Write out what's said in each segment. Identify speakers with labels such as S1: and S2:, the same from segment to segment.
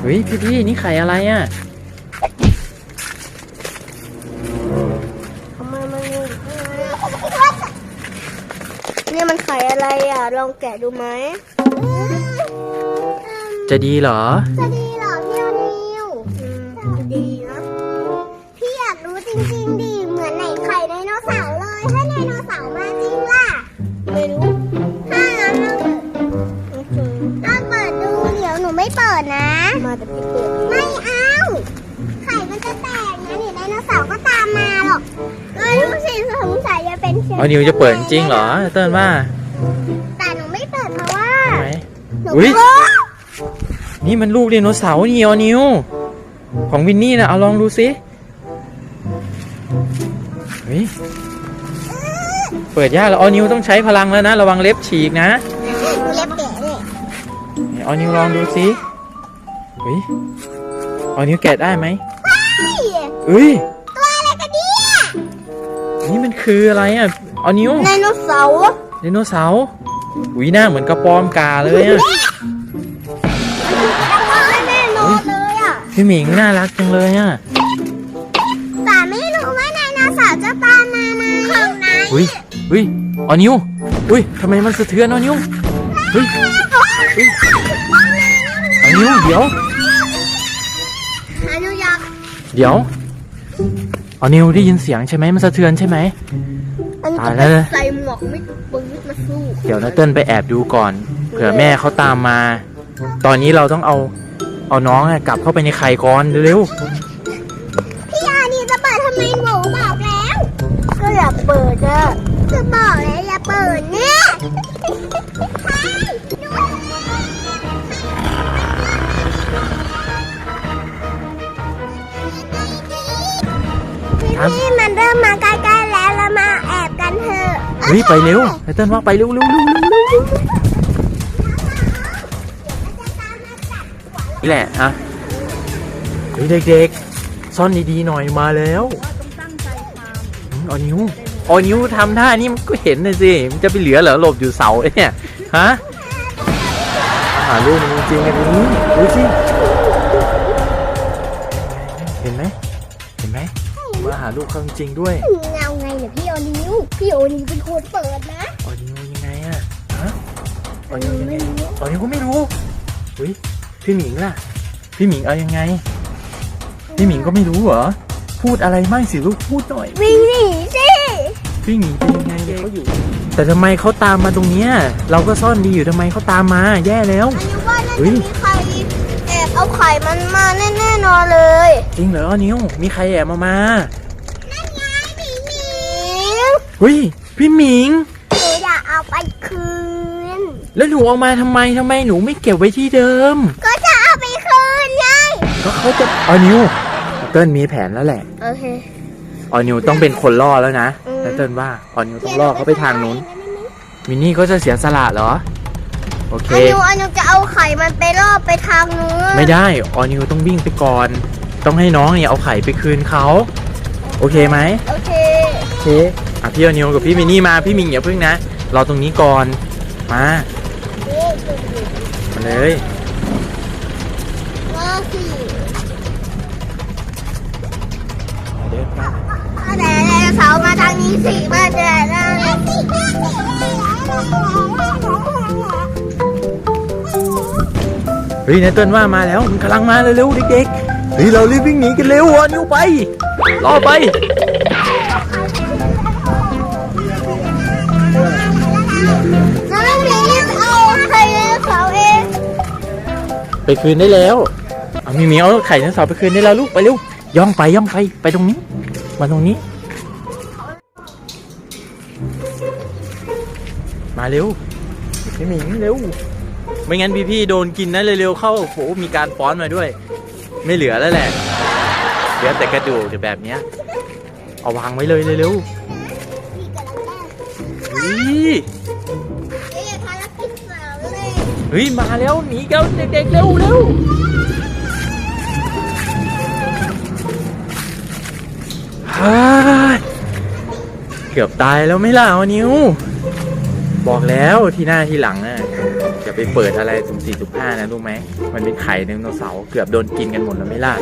S1: ฮ้ยพี่นี่ไข่อะไรอ่ะ
S2: ทำไมมันอยู่เนี่ยมันไข่อะไรอ่ะลองแกะดูไหม
S1: จะดีเหรอ
S2: จะดีเหรอพี่อนิวดีนะพี่อยากรู้จริงๆดิเหมือนไหนไข่ไดโนเสาร์เลยถ้าไดโนเสาร์มาจริงล่ะไม่รู้ถ้างั้นเราเปิดดูเดี๋ยวหนูไม่เปิดนะมาแต่พี่เปิดไม่เอาไข่มันจะแตกนะนี่ไดโนเสาร์ก็ตามมาหรอกรู้สิสงสัยจะเป็นเชื้อ
S1: นิวจะเปิดจริงเหรอเติ้ลว่า
S2: แต่หนูไม่เปิดเพราะว่าหนู
S1: นี่มันลูกไดโนเสาร์นี่นิวของวินนี่นะเอาลองดูสิเฮ้ยเปิดยากแล้วนิวต้องใช้พลังแล้วนะระวังเล็บฉีกนะ
S2: เล็บแกะเลย
S1: นิวลองดูสิเฮ้ยนิวแกะได้ไหมเฮ้ย
S2: ตัวอะไรกันเนี่ย
S1: นี่มันคืออะไรอ่ะนิว
S2: ไดโนเสาร์
S1: หน้าเหมือนกระปอมกาเลยอ่ะ
S2: แน่นอนเลยอ่ะ
S1: พี่หมิงน่ารักจังเลยอ่ะ
S2: แต่ไม่รู้ว่าไดโนเสาร์จะตามมาไหมของไหน
S1: นิวทำไมมันสะเทือนนิวนิวเดี๋ยวนิวได้ยินเสียงใช่ไหมมันสะเทือนใช่ไหมตายแล้ว
S2: ใส่หมวกไม่ปืนมาสู้
S1: เดี๋ยวนะเติ้ลไปแอบดูก่อนเผื่อแม่เขาตามมาตอนนี้เราต้องเอาน้องกลับเข้าไปในไข่ก่อนเร็ว
S2: พี่อานี่จะเปิดทำไมหนูบอกแล้วก็อย่าเปิดอะจะบอกแล้วอย่าเปิดเนี่ยพี่มันเริ่มมาใกล้ๆแล้วเรามาแอบกันเถอะ
S1: ไปเร็วเติ้ลว่าไปเร็วนี่แหละฮะเด็กๆซ่อนดีๆหน่อยมาแล้วนิวทำท่านี่มันก็เห็นเลยสิมันจะไปเหลือเหรอหลบอยู่เสาเนี่ยฮะหาลูกมันจริงๆกันนี้ดูสิเห็นไหมมาหาลูกเขาจริงด้วย
S2: เงาไงเนี่ยพี่โอนิวเป็นคนเปิดนะ
S1: นิวยังไงอะฮะนิวยังไงนิวก็ไม่รู้พี่หมิงล่ะพี่หมิงเอายังไงพี่หมิงก็ไม่รู้เหรอพูดอะไรไม่สิลูกพูดหน่อย
S2: วิ่งหนีสิ
S1: พี่หมิงเป็นยังไงเขาอยู่แต่ทำไมเขาตามมาตรงเนี้ยเราก็ซ่อนดีอยู่ทำไมเขาตามมาแย่แล้ว
S2: มีใครแอบเอาไข่มันมาแน่ๆนอนเลย
S1: จริงเหรอนิวมีใครแอบมา
S2: นั่นไงพี่หมิง
S1: พี่หมิง
S2: หนูอยากเอาไปคืน
S1: แล้วหนูเอามาทำไมหนูไม่เก็บไว้ที่เดิม
S2: ก็จะเอาไปคืนไง
S1: ก็เขาจะนิวเติ้ลมีแผนแล้วแหละ
S2: โอเค
S1: นิวต้องเป็นคนล่อแล้วนะแล้วเติ้ลว่านิวต้องล่อเขาไปทางนู้นมินนี่ก็จะเสียสละเหรอโอเค
S2: นิวจะเอาไข่มันไปล่อไปทางนู้น
S1: ไม่ได้นิวต้องวิ่งไปก่อนต้องให้น้องเนี่ยเอาไข่ไปคืนเขาโอเคไหม
S2: โอเค
S1: พี่นิวกับพี่มินนี่มาพี่มิงอย่าพึ่งนะรอตรงนี้ก่อนมาเลยเดินมา
S2: แต่เสามาทางนี้สิมาแต่
S1: นายเติ้ลว่ามาแล้วมันกำลังมาเร็วๆเด็กๆเรารีบวิ่งหนีกันเร็วนิวไปรอไปไปคืนได้แล้วมีเอาไข่ไดโนเสาร์ไปคืนได้แล้วลูกไปเร็วย่องไปตรงนี้มาตรงนี้มาเร็วพี่หมิงเร็วไม่งั้นพี่โดนกินนะเร็วๆเข้าโหมีการฟ้อนมาด้วยไม่เหลือแล้วแหละเหลือแต่กระดูกแบบนี้เอาวางไว้เลยเร็วมาแล้วหนีกันเด็กๆเร็วเกือบตายแล้วไม่ล่ะนิวบอกแล้วที่หน้าที่หลังอย่าไปเปิดอะไรสุ่ม4สุ่ม5นะรู้ไหมมันเป็นไข่ไดโนเสาร์เกือบโดนกินกันหมดแล้วไม่ล่ะ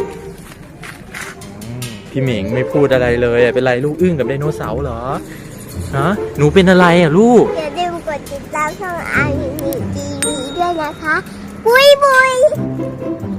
S1: พี่หมิงไม่พูดอะไรเลยเป็นไรลูกอึ้งกับไดโนเสาร์เหรอฮะหนูเป็นอะไรอ่ะลูก
S2: อย่าลืมกดติดตามช่องอาร์มีทีวีด้วยนะคะ บุยบุย